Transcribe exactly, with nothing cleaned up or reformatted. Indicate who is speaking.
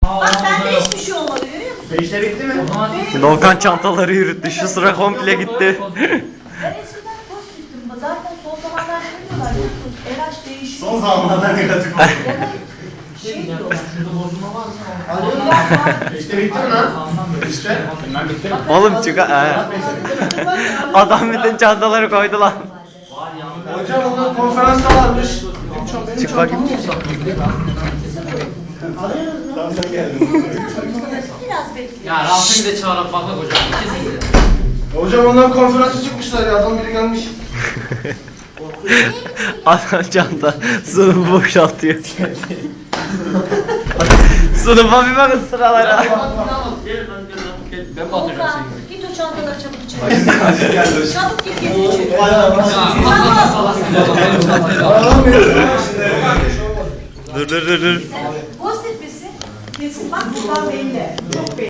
Speaker 1: Bak bende hiçbir şey olmadı, görüyor musun?
Speaker 2: İşte bitti mi?
Speaker 3: Volkan çantaları yürüttü. Şu sıra komple gitti.
Speaker 1: Ben eskiden pozitiftim. Zaten son zamanlarda ne diyorlar biliyor musunuz? R H değişiyor.
Speaker 2: Son zamanlarda negatif oldu.
Speaker 1: Ya da şey diyorlar.
Speaker 2: İşte bitti mi lan? İşte. Ben bitti mi?
Speaker 3: Oğlum çık he. Adam bütün çantaları koydu lan.
Speaker 2: Hocam onlar konferansta varmış.
Speaker 3: Çık bakayım.
Speaker 2: Tamam sen geldin.
Speaker 1: Biraz bekliyor.
Speaker 4: Ya Rasim'i de çağırıp bakak hocam. İkisini de.
Speaker 2: Hocam onlar konferansa çıkmışlar ya. Adam biri gelmiş.
Speaker 3: Adam çanta sınıfı boşaltıyor. Sınıfa bir bakın sıralara.
Speaker 4: Gelin lan gelin lan. Gel, ben batıracağım
Speaker 1: Volkan,
Speaker 4: seni.
Speaker 1: git o çantaları çabuk içeri. Çabuk git getir içeri.
Speaker 4: Ya patlasın salasın.
Speaker 3: Dur dur dur dur.
Speaker 1: Pozitif misin? Kesin bak buradan belli. Çok belli.